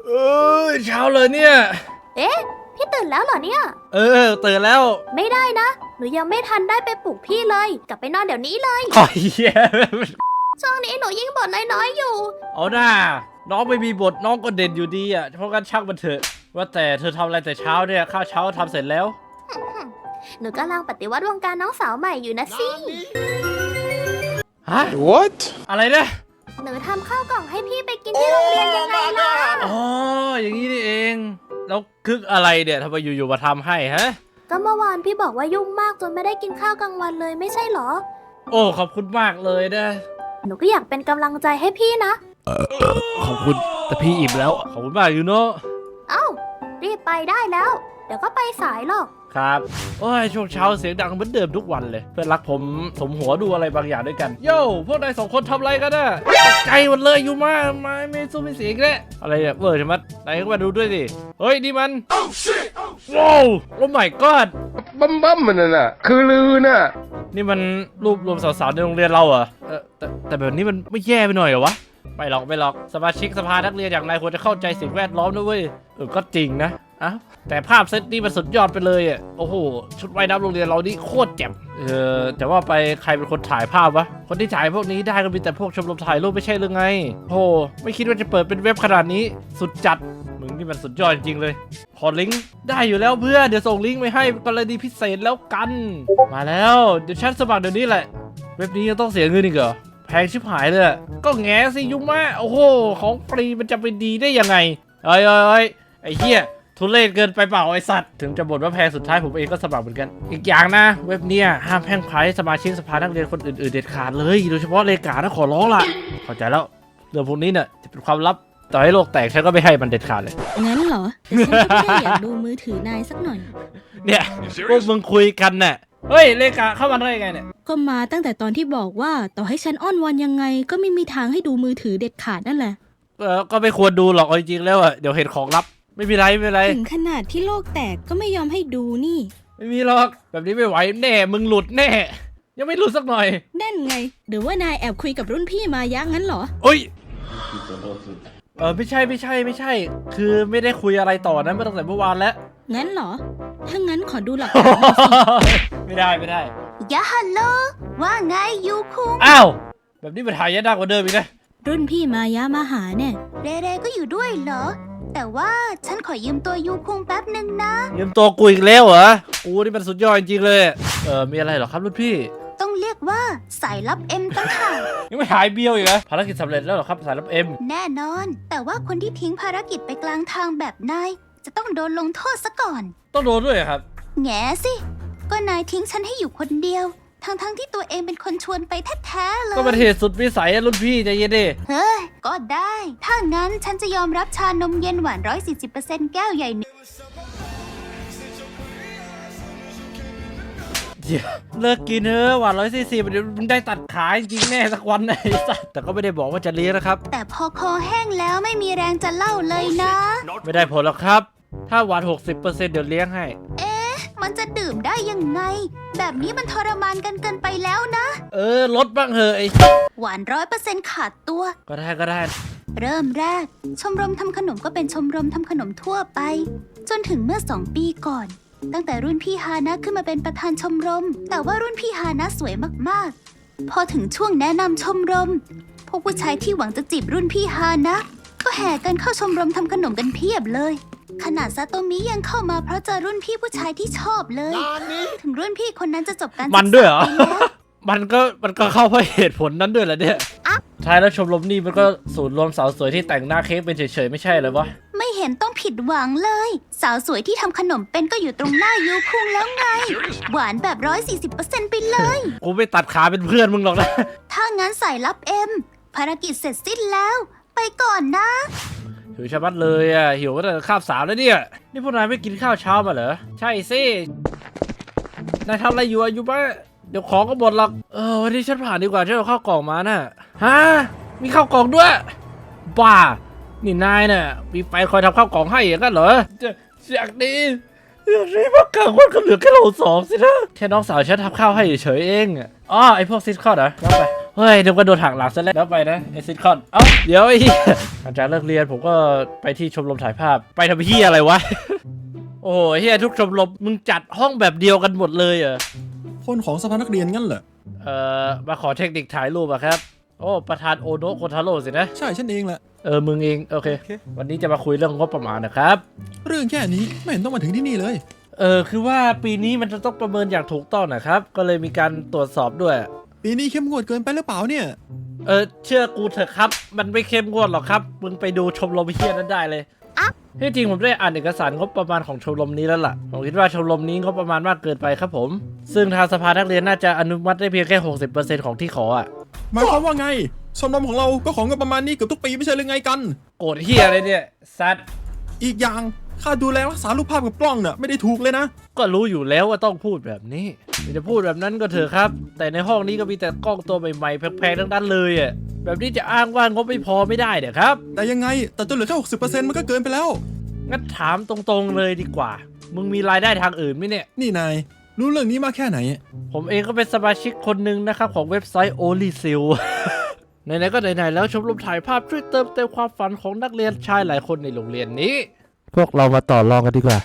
เอเช้าเลยเนี่ยเอ๊ะพี่ตื่นแล้วเหรอเนี่ยตื่นแล้วไม่ได้นะหนูยังไม่ทันได้ไปปลุกพี่เลยกลับไปนอนเดี๋ยวนี้เลยโอ้ยช่วงนี้หนูยิ่งบ่นน้อยๆอยู่เอาหน้าน้องไม่มีบทน้องก็เด่นอยู่ดีอ่ะเพราะงั้นช่างมันเถอะว่าแต่เธอทำอะไรแต่เช้าเนี่ยข้าวเช้าทำเสร็จแล้วหนูกำลังปฏิวัติวงการน้องสาวใหม่อยู่นะสิฮะ What อะไรเนี่ยหนูทำข้าวกล่องให้พี่ไปกินที่โรงเรียนยังไงล่ะอ๋ออย่างนี้นี่เองแล้วคึกอะไรเนี่ยทำไมอยู่ๆมาทำให้ฮะก็เมื่อวานพี่บอกว่ายุ่งมากจนไม่ได้กินข้าวกลางวันเลยไม่ใช่หรอโอ้ขอบคุณมากเลยนะหนูก็อยากเป็นกำลังใจให้พี่นะขอบคุณแต่พี่อิ่มแล้วขอบคุณมากอยู่เนาะเอ้ารีบไปได้แล้วเดี๋ยวก็ไปสายหรอกครับโอ้ยช่วงเช้าเสียงดังเหมือนเดิมทุกวันเลยเพื่อนรักผมสมหัวดูอะไรบางอย่างด้วยกันโย่พวกนายสองคนทำอะไรกันน่ะตกใจหมดเลยอยู่มาไม่สู้ไม่เสียงเลยอะไรเนี่ยเวอร์ใช่ไหมนายก็มาดูด้วยสิเฮ้ยนี่มันว้าวโอ้ my god บั้มมันน่ะคือลือน่ะนี่มันรูปรวมสาวๆในโรงเรียนเราเหรอแต่แบบนี้มันไม่แย่ไปหน่อยเหรอวะไม่หรอกสมาชิกสภานักเรียนอย่างนายควรจะเข้าใจสิ่งแวดล้อมด้วยก็จริงนะอ้าวแต่ภาพเซตนี้มันสุดยอดไปเลยอ่ะโอ้โหชุดว่ายน้ำโรงเรียนเรานี่โคตรแจ่มแต่ว่าไปใครเป็นคนถ่ายภาพวะคนที่ถ่ายพวกนี้ได้ก็มีแต่พวกชมรมถ่ายรูปไม่ใช่หรือไงโอ้ไม่คิดว่าจะเปิดเป็นเว็บขนาดนี้สุดจัดมึงนี่มันสุดยอดจริงเลยขอลิงก์ได้อยู่แล้วเพื่อเดี๋ยวส่งลิงก์ไปให้กรณีพิเศษแล้วกันมาแล้วเดี๋ยวฉันสมัครเดี๋ยวนี้แหละเว็บนี้ยังต้องเสียเงินอีกเหรอแพงชิบหายเลยก็แง่สิยุ่งมากโอ้โหของฟรีมันจะไปดีได้ยังไงเอ้ยไอ้เหี้ยทุเรศเกินไปเปล่าไอสัตว์ถึงจะบ่นว่าแพงสุดท้ายผมเองก็สมัครเหมือนกันอีกอย่างนะเว็บเนี้ยห้ามแพร่งพรายสมาชิกสภานักเรียนคนอื่นๆเด็ดขาดเลยโดยเฉพาะเลขานะขอร้องล่ะเข้าใจแล้วเรื่องพวกนี้เนี่ยจะเป็นความลับต่อให้โลกแตกฉันก็ไม่ให้มันเด็ดขาดเลยงั้นเหรอแต่ฉันก็แค่อยากดูมือถือนายสักหน่อยเนี่ยพวกมึงคุยกันน่ะเฮ้ยเลขาเข้ามาได้ยังไงเนี่ยก็มาตั้งแต่ตอนที่บอกว่าต่อให้ฉันอ้อนวอนยังไงก็ไม่มีทางให้ดูมือถือเด็ดขาดนั่นแหละก็ไม่ควรดูหรอกจริงๆแล้วเดี๋ยวเห็นของลับไม่มีไรถึงขนาดที่โลกแตกก็ไม่ยอมให้ดูนี่ไม่มีหรอกแบบนี้ไม่ไหวแน่มึงหลุดแน่ยังไม่หลุดสักหน่อยนั่นไงหรือว่านายแอบคุยกับรุ่นพี่มายักงั้นเหรอเอ้ยไม่ใช่คือไม่ได้คุยอะไรต่อนะมาตั้งแต่เมื่อวานแล้วงั้นเหรอถ้างั้นขอดูหลักฐานไม่ได้ยะฮัลโหลว่าไงยูคุงอ้าวแบบนี้มันหายากกว่าเดิมอีกนะรุ่นพี่มายะมาหาเนี่ยเรก็อยู่ด้วยเหรอแต่ว่าฉันขอยืมตัวยูคุงแป๊บนึงนะยืมตัวกูอีกแล้วเหรอกูนี่มันสุดยอดจริงๆเลยมีอะไรเหรอครับรุ่นพี่ต้องเรียกว่าสายลับเอ็มตั้งหากยังไม่หายเบี้ยวอีกเหรอภารกิจสำเร็จแล้วเหรอครับสายลับเอ็มแน่นอนแต่ว่าคนที่ทิ้งภารกิจไปกลางทางแบบนายจะต้องโดนลงโทษซะก่อนต้องโดนด้วยครับแง่สิก็นายทิ้งฉันให้อยู่คนเดียวทั้งที่ตัวเองเป็นคนชวนไปแท้ๆเลยก็เป็นเหตุสุดวิสัยรุ่นพี่ใจเย็นดิเฮ้ยก็ได้ถ้างั้นฉันจะยอมรับชานมเย็นหวาน 140% แก้วใหญ่หนึ่งเลิกกินเถอะหวาน140เดี๋ยวมึงได้ตัดขาจริงแน่สักวันไอ้สัสแต่ก็ไม่ได้บอกว่าจะเลี้ยงนะครับแต่พอคอแห้งแล้วไม่มีแรงจะเล่าเลยนะไม่ได้ผลหรอกครับถ้าหวาน 60% เดี๋ยวเลี้ยงให้มันจะดื่มได้ยังไงแบบนี้มันทรมานกันเกินไปแล้วนะลดบ้างเถอะไอ้หวาน 100% ขาดตัวก็ได้เริ่มแรกชมรมทำขนมก็เป็นชมรมทำขนมทั่วไปจนถึงเมื่อ2 ปีก่อนตั้งแต่รุ่นพี่ฮานะขึ้นมาเป็นประธานชมรมแต่ว่ารุ่นพี่ฮานะสวยมากๆพอถึงช่วงแนะนำชมรมพวกผู้ชายที่หวังจะจีบรุ่นพี่ฮานะก็แห่กันเข้าชมรมทำขนมกันเพียบเลยขนาดซาโตมิยังเข้ามาเพราะเจอรุ่นพี่ผู้ชายที่ชอบเลยถึงรุ่นพี่คนนั้นจะจบการศึกษามันด้วยเหรอมันก็เข้าเพราะเหตุผลนั้นด้วยแหละเนี่ยท้ายแล้วชมรมนี่มันก็ศูนย์รวมสาวสวยที่แต่งหน้าเค้กเป็นเฉยๆไม่ใช่เลยวะไม่เห็นต้องผิดหวังเลยสาวสวยที่ทำขนมเป็นก็อยู่ตรงหน้ายูคุงแล้วไงหวานแบบ 140% ไปเลยกูไม่ตัดขาเป็นเพื่อนมึงหรอกนะถ้างั้นสายลับเอ็มภารกิจเสร็จสิ้นแล้วไปก่อนนะหิวชะมัดเลยอ่ะหิวตั้งแต่คาบ3แล้วเนี่ยนี่พวกนายไม่กินข้าวเช้ามาเหรอใช่สินายทำอะไรอยู่บ้าเดี๋ยวของก็หมดหรอกวันนี้ฉันผ่านดีกว่าฉันเอาข้าวกล่องมาน่ะฮะมีข้าวกล่องด้วยบ้านี่นายน่ะมีไฟคอยทำข้าวกล่องให้อย่างนั้นเหรอจากนี้พวกกลางวันก็เหลือแค่เรา2สินะแค่น้องสาวฉันทำข้าวให้เฉยเองไอพวกซิสคอดเหรอรับไปเฮ้ยเดี๋ยวก็โดนหักหลังซะแล้วไปนะไอซิทคอนเดี๋ยวไอ้หลังจากเลิกเรียนผมก็ไปที่ชมรมถ่ายภาพไปทำเฮียอะไรวะ โอ้โหเฮียทุกชมรมมึงจัดห้องแบบเดียวกันหมดเลยเหรอคนของสภานักเรียนงั้นเหรอมาขอเทคนิคถ่ายรูปอะครับโอ้ประธานโอโนะโคทาโร่สินะใช่ฉันเองแหละมึงเองโอเค วันนี้จะมาคุยเรื่องงบประมาณนะครับเรื่องแค่นี้ไม่เห็นต้องมาถึงที่นี่เลยคือว่าปีนี้มันจะต้องประเมินอย่างถูกต้องนะครับก็เลยมีการตรวจสอบด้วยปีนี้เข้มงวดเกินไปหรือเปล่าเนี่ยเชื่อกูเถอะครับมันไม่เข้มงวดหรอกครับมึงไปดูชมรมเฮียนั้นได้เลยที่จริงผมได้อ่านเอกสารงบประมาณของชมรมนี้แล้วล่ะผมคิดว่าชมรมนี้งบประมาณมากเกินไปครับผมซึ่งทางสภานักเรียนน่าจะอนุมัติได้เพียงแค่ 60% ของที่ขออ่ะหมายความว่าไงชมรมของเราก็ของกันประมาณนี้เกือบทุกปีไม่ใช่หรือไงกันโกรธเฮียอะไรเนี่ยซัดอีกอย่างค่าดูแลรักษารูปภาพกับกล้องเนี่ยไม่ได้ถูกเลยนะก็รู้อยู่แล้วว่าต้องพูดแบบนี้จะพูดแบบนั้นก็เถอะครับแต่ในห้องนี้ก็มีแต่กล้องตัวใหม่ๆแพงๆทั้งนั้นเลยอ่ะแบบนี้จะอ้างว่างบไม่พอไม่ได้เดี๋ยครับแต่ยังไงแต่จนเหลือแค่ 60% มันก็เกินไปแล้วงั้นถามตรงๆเลยดีกว่ามึงมีรายได้ทางอื่นไหมเนี่ยนี่นายรู้เรื่องนี้มากแค่ไหนผมเองก็เป็นสมาชิกคนหนึ่งนะครับของเว็บไซต์ OnlySil ไหนๆก็ไหนๆแล้วชมรมถ่ายภาพช่วยเติมเต็มความฝันของนักเรียนชายหลายคนในโรงเรียนนี้ พวกเรามาต่อรองกันดีกว่าน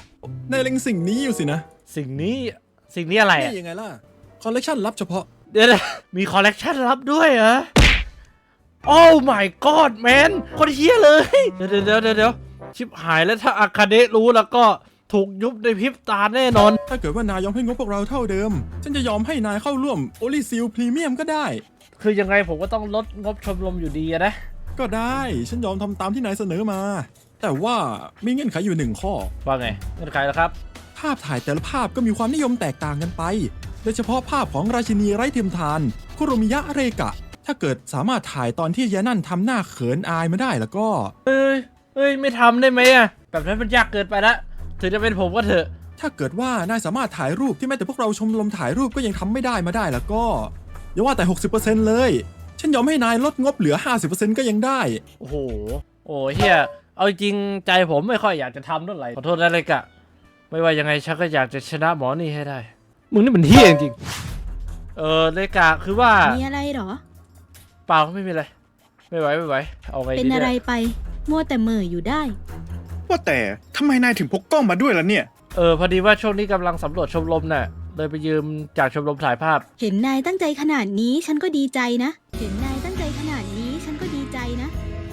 ายเล็งสิ่งนี้อยู่สินะสิ่งนี้อะไรอ่ะนี่ยังไงล่ะคอลเลกชันลับเฉพาะเดี๋ยวนะมีคอลเลกชันลับด้วยเหรอโอ้ my god man คนเฮี้ยเลย เดี๋ยวชิบหายแล้วถ้าอาคาเดะรู้แล้วก็ถูกยุบในพริบตาแน่นอนถ้าเกิดว่านายยอมให้งบพวกเราเท่าเดิมฉันจะยอมให้นายเข้าร่วม Only Seal Premium ก็ได้คือยังไงผมก็ต้องลดงบชมรมอยู่ดีอะนะก็ได้ฉันยอมทำตามที่นายเสนอมา แต่ว่ามีเงื่อนไขอยู่หนึ่งข้อว่าไงเงื่อนไขแล้วครับภาพถ่ายแต่ละภาพก็มีความนิยมแตกต่างกันไป โดยเฉพาะภาพของราชินีไร้เทียมทานคุโรมิยะเรกะ ถ้าเกิดสามารถถ่ายตอนที่ยานั่นทำหน้าเขินอายมาได้แล้วก็เอ้ยไม่ทำได้ไหมอะแบบนั้นมันยากเกินไปละถึงจะเป็นผมก็เถอะถ้าเกิดว่านายสามารถถ่ายรูปที่แม้แต่พวกเราชมรมถ่ายรูปก็ยังทำไม่ได้มาได้แล้วก็อย่าว่าแต่ 60% เลย ฉันยอมให้นายลดงบเหลือ 50% ก็ยังได้โอ้โหเฮียเอาจริงใจผมไม่ค่อยอยากจะทำเท่าไหร่ขอโทษนะเลยกะไม่ว่ายังไงฉันก็อยากจะชนะหมอนี่ให้ได้มึงนี่มันเฮียจริงเลยกะคือว่ามีอะไรเหรอเปล่าไม่มีอะไรไม่ไหวเอาไงดีเป็นอะไรเนี่ยไป มัวแต่เหม่ออยู่ได้ว่าแต่ทำไมนายถึงพกกล้องมาด้วยล่ะเนี่ยพอดีว่าช่วงนี้กำลังสำรวจชมรมน่ะเลยไปยืมจากชมรมถ่ายภาพเห็นนายตั้งใจขนาดนี้ฉันก็ดีใจนะ เห็นนายตั้งใจขนาดนี้ฉันก็ดีใจนะ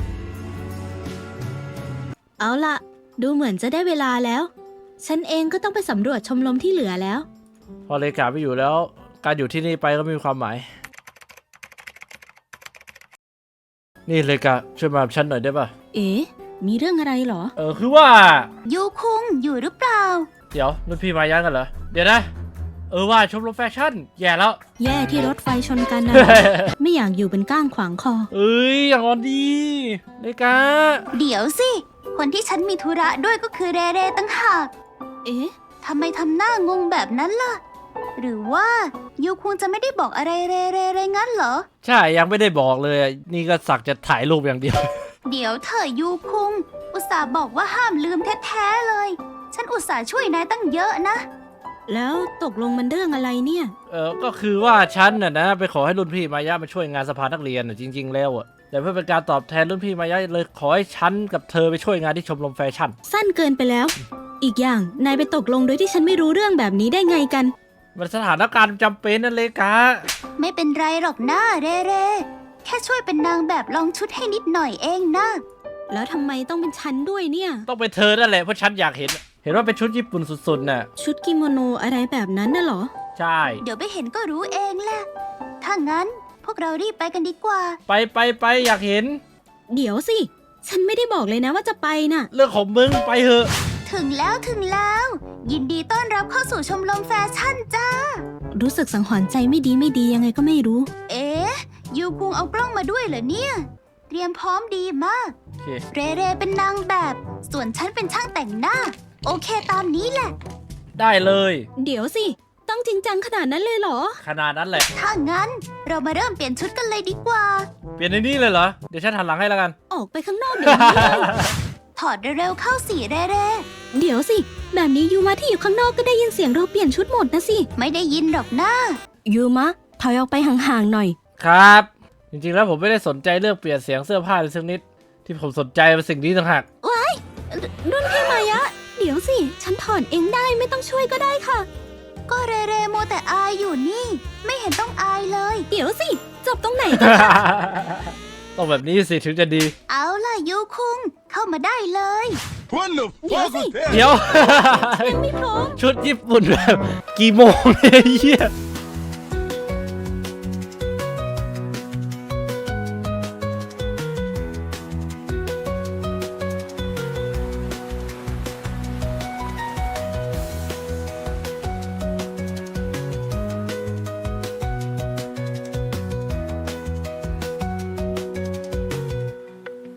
เอาล่ะ ดูเหมือนจะได้เวลาแล้ว ฉันเองก็ต้องไปสำรวจชมรมที่เหลือแล้วพอเลยกะไม่อยู่แล้ว การอยู่ที่นี่ไปก็ไม่มีความหมาย นี่เลยกะช่วยมากับฉันหน่อยได้ป่ะเอ๊ะ มีเรื่องอะไรเหรอคือว่ายูคุงอยู่หรือเปล่าเดี๋ยวรุ่นพี่มาย้างกันเหรอเดี๋ยวนะว่าชมรมแฟชั่นแย่แล้วแย่ที่รถไฟชนกันนะ ไม่อยากอยู่เป็นก้างขวางคออย่างอ่อนดีเลยกะเดี๋ยวสิ คนที่ฉันมีธุระด้วยก็คือเรเรตั้งหากเอ๊ะทำไมทำหน้างงแบบนั้นล่ะ หรือว่ายูคุงจะไม่ได้บอกอะไรเรเรเลยงั้นเหรอใช่ยังไม่ได้บอกเลยนี่ก็สักจะถ่ายรูปอย่างเดียวเดี๋ยวเธอยูคุง อุตส่าห์บอกว่าห้ามลืมแท้ๆเลย ฉันอุตส่าห์ช่วยนายตั้งเยอะนะแล้วตกลงมันเรื่องอะไรเนี่ยก็คือว่าฉันน่ะนะไปขอให้รุ่นพี่มายะมาช่วยงานสภานักเรียนน่ะจริงๆแล้วแต่เพื่อเป็นการตอบแทนรุ่นพี่มายะเลยขอให้ฉันกับเธอไปช่วยงานที่ชมรมแฟชั่นสั้นเกินไปแล้ว อีกอย่างนายไปตกลงโดยที่ฉันไม่รู้เรื่องแบบนี้ได้ไงกันมันสถานการณ์จำเป็นนั่นเลยกะไม่เป็นไรหรอกนะเรเร แค่ช่วยเป็นนางแบบลองชุดให้นิดหน่อยเองนะแล้วทำไมต้องเป็นฉันด้วยเนี่ยต้องเป็นเธอนั่นแหละเพราะฉันอยากเห็นว่าเป็นชุดญี่ปุ่นสุดๆน่ะชุดกิโมโนอะไรแบบนั้นน่ะเหรอใช่เดี๋ยวไปเห็นก็รู้เองแหละ ถ้างั้นพวกเรารีบไปกันดีกว่าไปอยากเห็นเดี๋ยวสิ ฉันไม่ได้บอกเลยนะว่าจะไปน่ะเรื่องของมึงไปเถอะถึงแล้ว ยินดีต้อนรับเข้าสู่ชมรมแฟชั่นจ้ารู้สึกสังหรณ์ใจไม่ดียังไงก็ไม่รู้เอ๊ะ ยูคุงเอากล้องมาด้วยเหรอเนี่ย เตรียมพร้อมดีมากโอเคเรเรเป็นนางแบบ ส่วนฉันเป็นช่างแต่งหน้า โอเคตามนี้แหละได้เลยเดี๋ยวสิ ต้องจริงจังขนาดนั้นเลยเหรอขนาดนั้นแหละถ้างั้นเรามาเริ่มเปลี่ยนชุดกันเลยดีกว่าเปลี่ยนในนี้เลยเหรอเดี๋ยวฉันหันหลังให้แล้วกันออกไปข้างนอกเดี๋ยวนี้เลยถอดเร็วๆเข้าสิเรเรเดี๋ยวสิ แบบนี้ยูมะที่อยู่ข้างนอกก็ได้ยินเสียงเราเปลี่ยนชุดหมดนะสิไม่ได้ยินหรอกนะยูมะถอยออกไปห่างๆหน่อยครับจริงๆแล้วผมไม่ได้สนใจเรื่องเปลี่ยนเสียงเสื้อผ้าเลยสักนิดที่ผมสนใจเป็นสิ่งนี้ต่างหากรุ่นพี่มายะ เดี๋ยวสิ ฉันถอนเองได้ไม่ต้องช่วยก็ได้ค่ะก็เรเรโมวแต่อายอยู่นี่ ไม่เห็นต้องอายเลยเดี๋ยวสิ จบตรงไหนกันต้องแบบนี้สิถึงจะดีเอาล่ะยูคุงเข้ามาได้เลยเดี๋ยวสิเดี๋ยวยังไม่พร้อมชุดญี่ปุ่นแบบกี่โมงเนี่ยไอ้เหี้ย